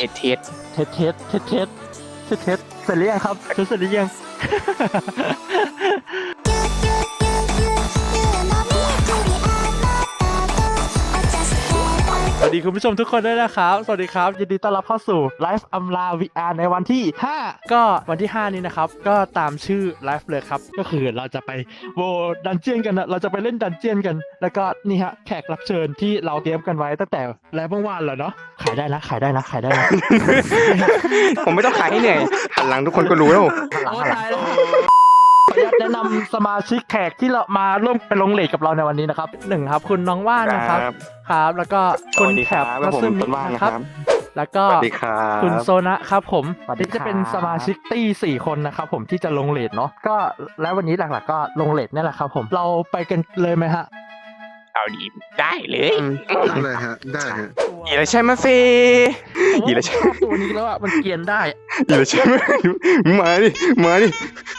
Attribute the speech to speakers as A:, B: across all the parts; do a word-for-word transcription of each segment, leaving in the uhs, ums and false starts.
A: ทสเทส
B: เทสเทสเทสเทสเทสเทสเสร็จหรือยังครับเสร็จหรือยังสวัสดีคุณผู้ชมทุกคนด้วยนะครับสวัสดีครับยินดีต้อนรับเข้าสู่ไลฟ์อัมลา วี อาร์ ในวันที่ห้าก็วันที่ห้านี้นะครับก็ตามชื่อไลฟ์เลยครับก็คือเราจะไปโวดันเจียนกันนะเราจะไปเล่นดันเจียนกันแล้วก็นี่ฮะแขกรับเชิญที่เราเตรียมกันไว้ตั้งแต่แล้วเมื่อวานแล้วเนาะขายได้นะขายได้นะขายได้นะ
A: ผมไม่ต้องขายให้เหนื่อยหันหลังทุกคนก็รู้แล้ว
B: โอ้ตายแล้วขออนุญาตแนะนำสมาชิกแขกที่เรามาร่วมไปลงเลทกับเราในวันนี้นะครับหนึ่งครับคุณน้องว่านนะครับครับแล้วก็คุณแขกมัสซึมินะครับแล้วก็คุณโซนะครับผมที่จะเป็นสมาชิกตี้สี่คนนะครับผมที่จะลงเลทเนาะก็แล้ววันนี้หลักๆก็ลงเลทนี่แหละครับผมเราไปกันเลยไหมฮะ
A: เอาดีได้เลย
C: ได้ฮะได้ฮะ
A: อีละใช่ไหมเฟอีละใช่
B: ตัวนี้แล้วอ่ะมันเกียนได้
A: อีละใช่ไหมมาดิมาดิ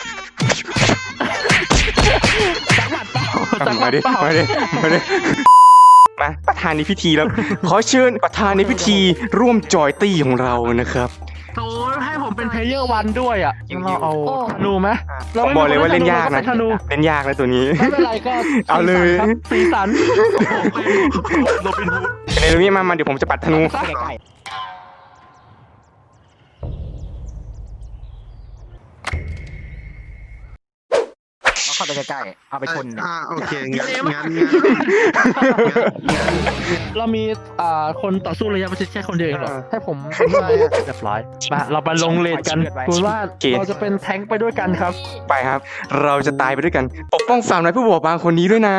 B: จังหวัดเปล่าจังหวั
A: มา
B: ด
A: ดิ
B: เปล่า
A: มาดิมาดิมาประธานในพิธีแล้วขอเชิญประธานในพิธีร่วมจอยตี้ของเรานะครับ
B: โอ้ให้ผมเป็นเพลเยอร์วันด้วยอ่ะเราเอาธนูไหม
A: ผมบอกเลยว่าเล่นยากนะเล่นยากนะตัวนี้
B: ไม่เป็นไรก็
A: เอาเลย
B: สีสันโรบินฮูด
A: ในตรงนี้มามาเดี๋ยวผมจะปัดธนู
B: เข้าไปใกล้ๆเอาไปชน
C: อ่าโอเคงั้นงั้น
B: เรามีอ่าคนต่อสู้ระยะประชิดแค่คนเดียวเองเหรอให้ผมได้เรียบร้อยมาเราไปลงเลทกันคุณว่าเราจะเป็นแท้งไปด้วยกันครับ
A: ไปครับเราจะตายไปด้วยกันปกป้องสาวน้อยผู้บอบบางคนนี้ด้วยนะ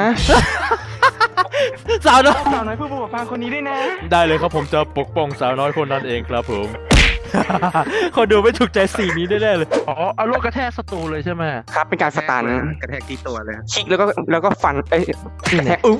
B: สาวน้อย
A: สาวน้อยผู้บอบบางคนนี้ด้วยนะ
B: ได้เลยครับผมจะปกป้องสาวน้อยคนนั้นเองครับผมคนดูไม่ถูกใจสีนี้แน่ๆเลยอ๋อเอาลูกกระแทกศัตรูเลยใช่ไหม
A: ครับเป็นการสตัน
C: กระแทกที่ตัวเลย
A: คลิกแล้วก็แล้วก็ฟันเอ้ยกระแทกอุ๊บ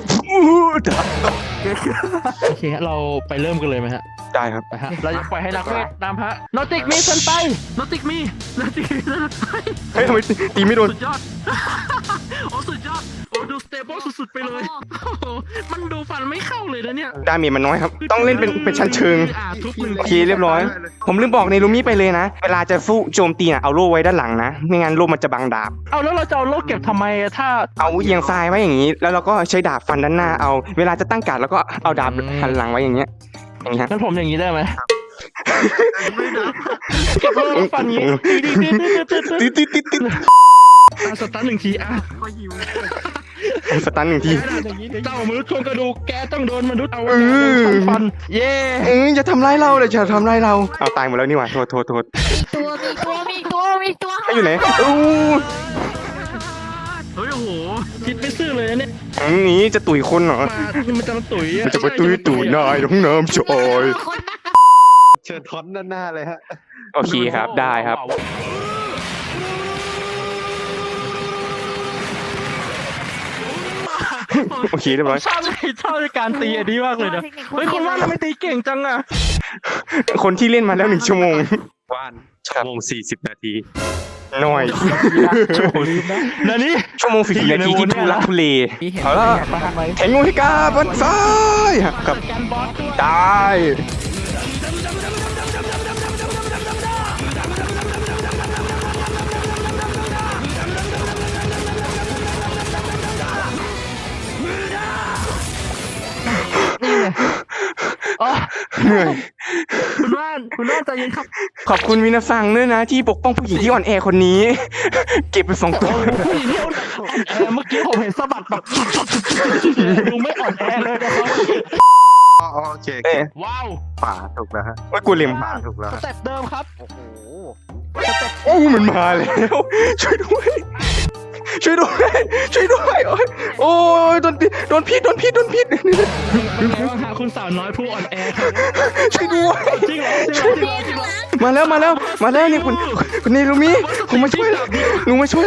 B: โอเคเราไปเริ่มกันเลยไหมฮะ
A: ได้ครับ
B: ไปฮะเราจะปล่อยให้นักเวทนำฮะโนติกมีสันไปโนติกมีโนติกมีสันไป
A: เฮ้ยทำไมตีไม่โดน
B: สุดยอดโอ้สุดยอดโอ้ดูสเตเบิลสุดๆไปเลยมันดูฟันไม่เข้าเลยนะเนี่ย
A: ดาเมจมันน้อยครับต้องเล่นเป็นเป็นชั้นเชิงโอเคเรียบร้อยผมลืมบอกในลูมี่ไปเลยนะเวลาจะสู้โจมตีน่ะเอาโล่ไว้ด้านหลังนะไม่งั้นโล่มันจะบังดาบ
B: เอาแล้วเราจะเอาโล่เก็บทำไมถ้า
A: เอาเอียงซ้ายไว้อย่างนี้แล้วเราก็ใช้ดาบฟันด้านหน้าเอาเวลาจะตั้งการ์ดแล้วก็เอาดาบหันหลังไว้อย่างเงี้ยอย่างงี้ฮะ
B: งั้นผมอย่างนี้ได้ไหมเก็บโล่ฟันงี้
A: ติดติดติดติด
B: สตันหนึ่งทีอ่ะ
A: สตันหนึ่งที
B: เจ้ามนุษย์โครงกระดูกแกต้องโดนมนุษย์เอาฟันเย่
A: เอ้ยอย่าทำร้ายเราเลยอย่าทำร้ายเราเอาตายหมดแล้วนี่หว่าโทษโทษโทษ
D: มีตัวมีตัวมีตัวมีตัว
A: ให้อยู่ไหนอู้
B: เฮ้ยโอ้โหคิดไม่ซื่อเลยเนี่ย
A: นี้จะตุ๋ยคนเหรอ
B: มันจะมาตุ๋ย
A: มันจะไปตุ๋ยตุ๋ยนายท้องน้ำชอย
C: เชิญท็อตด้านหน้าเลยฮะ
A: โอเคครับได้ครับโอเคเรียบร้อย
B: ชอบชอบการตีอันนี้มากเลยนะเฮ้ยคนว่าทำไมตีเก่งจังอะ
A: คนที่เล่นมาแล้วหนึ่งชั่วโมง
C: ว่านชั่วโมงสี่สิบนาที
A: หน่อย
B: นั่นนี่
A: ชั่วโมงสี่สิบนาทีที่ทุลักทุเลเอาละแข่งงูพิกาบนซ้ายกับตายเหนื่อย
B: คุณว่านคุณว่านใจเย็นครับ
A: ขอบคุณมินาซังด้วยนะที่ปกป้องผู้หญิงที่อ่อนแอคนนี้เก็บไปสองตัว
B: ผู้หญิงที่อ่อนแอเมื่อกี้ผมเห็นสะบัดแบบดูไม่อ่อนแอเลยนะครับ
C: โอเค
B: ว้าว
C: ป่าถูกแล้วฮะ
A: ว่ากูเล็ม
C: ป่าถูกแล้ว
B: สเต็ปเดิมครับโอ้โห
A: โอ้มันมาแล้วช่วยด้วยช่วยด้วยช่วยด้วยโอ้ยโดนโดนพิษโดนพิษโดนพิษ
B: เป็นไงบ้างฮะคุณสาวน้อยผู้อ่อนแอ
A: ช่วยด้วย
B: จริงเหรอจริงเหรอจริงเหรอ
A: มาแล้วมาแล้วมาแล้วนี่คุณคุณนี่ลูมี่ผมมาช่วยหนูมาช่วย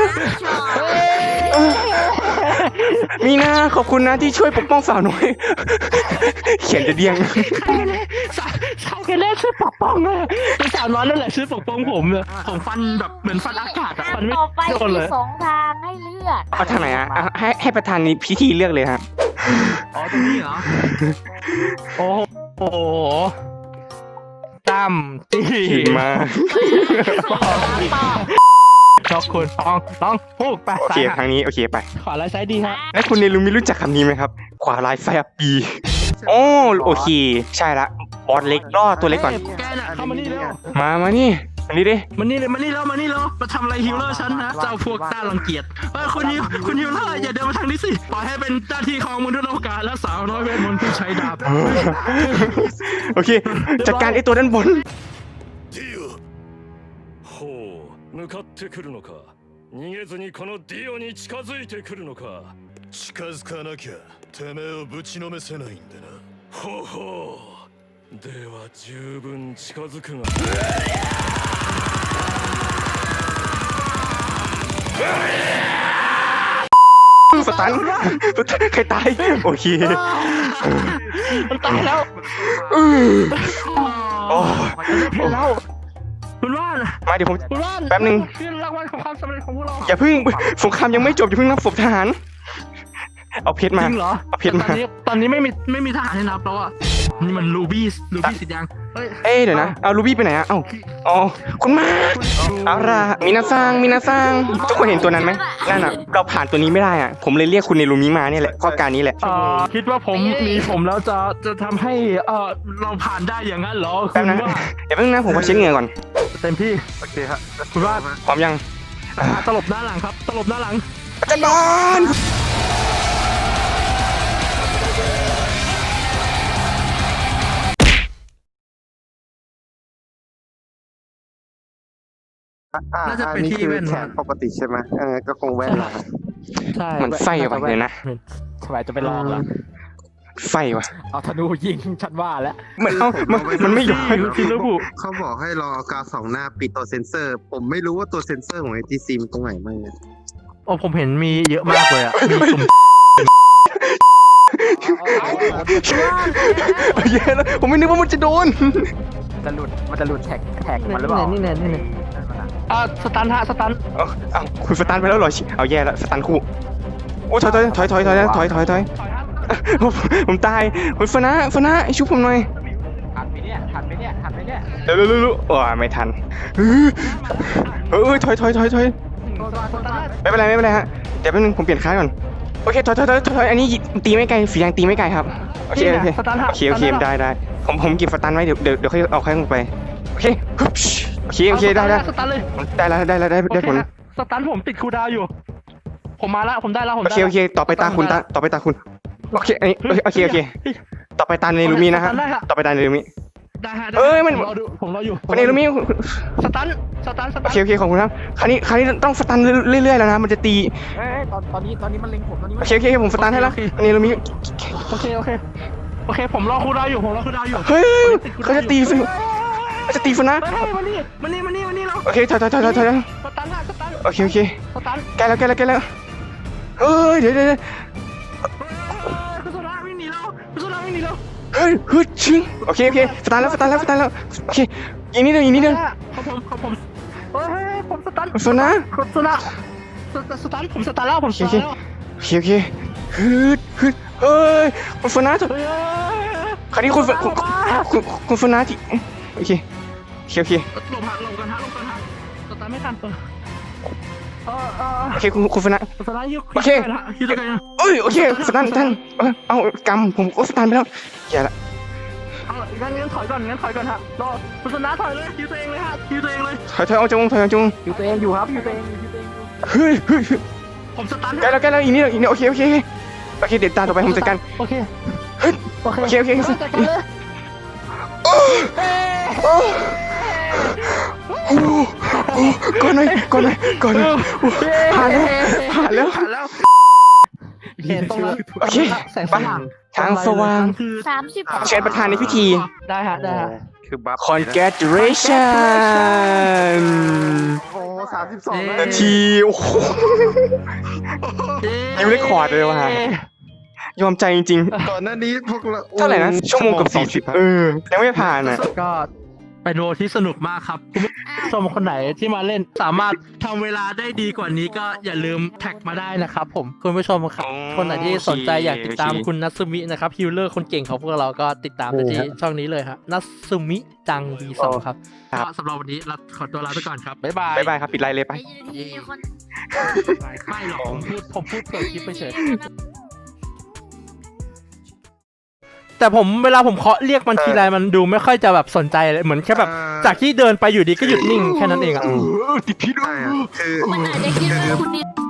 A: มีนะขอบคุณนะที่ช่วยปกป้องสาวน้อยเขียนจะเดียง
B: สาวแค่แรกช่วยปกป้องเลยเป็นสาวน้อยนั่นแหละช่วยปกป้องผมเลยผมฟันแบบเหมือนฟันอากาศอะฟันไม่
D: โดนเลยสองทางให้เลือก
A: เอาทางไหนอะให้ให้ประธานในพิธีเลือกเลยครับ
B: อ๋อตรงนี้เหรอโอ้โหตาตั้มตี
A: ขี่มา
B: ชอบคุณลองลองพูดไป
A: โอเคทางนี้โอเคไป
B: ขวาไลท์ซ้ายดีฮะ
A: แล้วคุณเนลูมิรู้จักคำนี้ไหมครับ ขวาลายไฟอับปีโอ้โอเค ใช่ละบอสเล็กล่อตัวเล็กก่อน
B: แกน่ะเข้ามานี่เร็ว
A: มามานี่มานี่ดิ
B: มานี่เลยมานี่แล้วมานี่แล้วมาทำอะไรฮิลเลอร์ฉันนะเจ้าพวกต้ารังเกียจเฮ้ยคุณฮิวคุณฮิลเลอร์อย่าเดินมาทางนี้สิปล่อยให้เป็นหน้าที่ของมนุษย์โลกาและสาวน้อยเวทมนต์ผู้ใช้ดาบ
A: โอเค จัดการไอตัวด้านบน
E: ディオほう向かってくるのか逃げずにこのディオに近づいてくるのか近づかなきゃてめえをぶちのめせないんでなほうほうでは十分近づくが
A: สตันใครตาย โอเค
B: มันตายแล้ว
A: อือโอ้
B: เพลแล้วคุณว่าน
A: มาเดี๋ยวผม
B: คุณว่าน
A: แป๊บนึง
B: คือรางวัลของความสำเร็จของพวกเรา
A: อย่าเพิ่งสงครามยังไม่จบอย่าเพิ่งนับศพทหาร เอาเพชร
B: จ
A: มา
B: ริงเหรอ
A: เอาเพชรมา
B: ตอนนี้ตอนนี้ไม่มีไม่มีทหารให้นับแล้วอ่ะนี่มันลูบี้ลูบี้สิทธิ์ยังเฮ้ย
A: เอ้ยเดี๋ยวนะ เอารูบี้ไปไหนอะเอ้าอ๋อคุณมาเอาล่ะมินาซังมินาซังทุกคนเห็นตัวนั้นไหมนั่นอะเราผ่านตัวนี้ไม่ได้อะผมเลยเรียกคุณเนลูมิมาเนี่ยแหละข้อการนี้แหละ
B: เอ่อคิดว่าผมมีผมแล้วจะจะทำให้เออเราผ่านได้อย่างนั้นเหรอ
A: แป๊บ
B: คุณ
A: นะ
B: ว่า
A: เดี๋ยวแป๊บนึงนะผมขอเช็คเหงื่อก่อน
B: เต็มที่
C: โอเคฮะ
B: คุณว่า
A: พร้อมยัง
B: ตลบหน้าหลังครับ ตลบหน้าหลัง
A: อาจารย์บอล
C: อ่า
B: น่าจะเป็น
C: อันนี้
B: ที่
C: คือ
B: แว่น
C: แขนปกติใช่ไหมเออก็คงแว่นละ
B: ใช่
A: มันไส้ว่ะเดี๋ยวนะ
B: สบายจะไปลองละ
A: ไฟว่ะ
B: เอาธนูยิงฉันว่าแล้ว
A: เหมือนเอ้ามันมันไม่ย้อย
B: ทีละผู้
C: เขาบอกให้รอเอากาวสองหน้าปิดตัวเซนเซอร์ ผมไม่รู้ว่าตัวเซนเซอร์ของไอทีซีมันตรงไหนมั่งเนี่ย
B: โอ้ผมเห็นมีเยอะมากเลยอ่ะมีสุ่ม
A: เย้แล้วผมไม่นึกว่ามันจะโดน
F: จะหลุดมันจะหลุดแท็กแท็กมันหรือเปล่า
B: นี่แน่นี่แน่อ่าสตันฮะสตัน
A: เอาเอาคุณสตันไปแล้วเหรอชิเอาแย่แล้วสตันคู่โอ้ถอยถอยถอยถอยถอยถอยถอยถอยผมผมตายคุณฟนะฟนะชุบผมหน่อย
F: ทันไหมเนี่ยทันไหมเนี่ยทันไหมเนี่ย
A: เร็วเร็วเร็วโอ้ไม่ทันเฮ้ยเฮ้ยถอยถอยถอยถอยไม่เป็นไรไม่เป็นไรฮะเดี๋ยวแป๊บนึงผมเปลี่ยนค่ายก่อนโอเคถอยถอยถอยถอยอันนี้ตีไม่ไกลสีแดงตีไม่ไกลครับโอเคโอเค
B: สตันฮะ
A: โอเคโอเคได้ได้ผมผมเก็บสตันไว้เดี๋ยวเดี๋ยวเดี๋ยวค่อยเอาค่อยลงไปโอเคฮึบโอเคโอเคได้ได้
B: สตันเลย
A: ได้แล้วได้แล้วได้ได้ผล
B: สตันผมติดคูลดาวน์อยู่ ผมมาละผมได้แล้วผม
A: โอ
B: ได้
A: เคโอเคต่อไปตาคุณตาต่อไปตาคุณโอเคอันนี้โอเคโอเคต่อไปตาเนลูมินะฮะต่อไปตาเนลูมิ
B: ได้ฮะ
A: เอ้ยมัน
B: ผมรอดูผมรออยู่
A: เนลูมิ
B: สตันสตันส
A: โอ
B: ตัน
A: เคโอเคขอบคุณครับคราวนี้คราวนี้ต้องสตันเรื่อยๆแล้วนะมันจะตี
F: เอ้ยตอนตอนนี้ตอนนี้มันเล็งผมตอนนี้
A: โอ
F: มัน
A: เคโอเคผมสตันให้แล้วเนลูมิ
B: โอเคโอเคโอเคผมรอคูลดาวน์อยู่ผมรอคูลดาวน์อยู่
A: เฮ้ยเขาจะตีฟิเขาจะตีฟินะ
B: เฮ้ยมานี่มานี่มานี่มานี่เรา
A: โอเคถอยถอยถอยถอยถอย
B: สตันฮะสตัน
A: โอเคโอเค
B: สตัน
A: ใกล้แล้วใกล้แล้วใกล้แล้วเฮ้ยเดี๋ยวเดี๋ยว
B: คุณโซดาวิ่งหนีแล้วคุณโซดาวิ่งหนีแล้ว
A: เฮ้ยฮึดชิงโอเคโอเคสตันแล้วสตันแล้วสตันแล้วโอเคอีกนิดเดียวอีกนิดเดียว
B: ของผมของผมเฮ้ยผมสตัน
A: โซนะ
B: คุณโซดาสตันผมสตันแล้วผมส
A: โอ
B: ตัน
A: เค
B: แล้ว
A: โอเคโอเคฮึดฮึดเฮ้ยคุณฟนาถอย
B: เฮ้ย
A: คราวนี้คุณคุณคุณคุณฟนาที่โอเคโอเคโอเค
B: หลบหักหลบกันฮะหลบกันฮะสตันไม่ทันเออเออเออ
A: โอเคคุณคุณฟนา
B: สตันยิว
A: โอเค
B: ยิวตัวกัน
A: เอ้ยโอเคสตันสตันเออเอากำผมก็สตันไปแล้วอย่าละ
B: เอางั้นงั้นถอยก่อนงั้นถอยก่อนฮะรอคุณสนาถอยเลยยิวตัวเองเลยฮะยิวตัวเองเลย
A: ถอยถอยเอาจงถอยเอาจง
F: อยู่ตัวเองอยู่ครับอยู่ตัวเองอยู่ตัวเองอยู่
A: เฮ้ยเฮ้ย
B: ผมสตัน
A: ใกล้แล้วใกล้แล้วอีกนิดอีกนิดโอเคโอเคโอเคเด็ดตาต่อไปผมจัดการ
B: โอเค
A: เฮ้ย
B: โอเค
A: โอเคโอเค
B: จัดการเลย
A: โอ้โอ้โอ้ก่อนหน่อยก่อนหน่อยก่อนหน่อยผ่านแล้วผ่านแล้ว
B: ผ่านแล้วเห็นตรงนั้น
A: โอเค
B: แสงสว่าง
A: ทางสว่าง
B: คือ
D: สามสิบ
A: เชิญประธานในพิธี
B: ได้ฮะได้ฮะ
C: คือบัฟ
A: congratulation
C: โอ้สามสิบสอง
A: นาทีโอ้โห นิ้วเลขคอร์ดเลยว่ะ ยอมใจจริง
C: ก่อนหน้านี้พวกเรา
A: ๆ เท่าไหร่นะ ชั่วโมงกับสี่สิบเออ ยังไม่ผ่านอ่ะ
B: ก็เป็นโรที่สนุกมากครับชมคนไหนที่มาเล่นสามารถทำเวลาได้ดีกว่านี้ก็อย่าลืมแท็กมาได้นะครับผมคุณผู้ชมครับคนไหนที่สนใจอยากติดตามคุณนัทซึมินะครับฮิลเลอร์คนเก่งของพวกเราก็ติดตามได้ที่ช่องนี้เลยครับนัทซึมิจัง วี สอง ครับก็สำหรับวันนี้เราขอตัวลาไปก่อนครับบ๊ายบาย
A: บ๊ายบายครับปิดไลน์เลยไป
D: ไอ้ยี่ที่คน
B: ไม่หรอกผมพูดผมพูดเปิดคลิปไปเฉยแต่ผมเวลาผมเคาะเรียกมันทีไรมันดูไม่ค่อยจะแบบสนใจเลยเหมือนแค่แบบจากที่เดินไปอยู่ดีก็หยุดนิ่งแค่นั้นเองอะ
C: ใช่อะคือ
D: มันอาจจะคิดว่าคุณนี่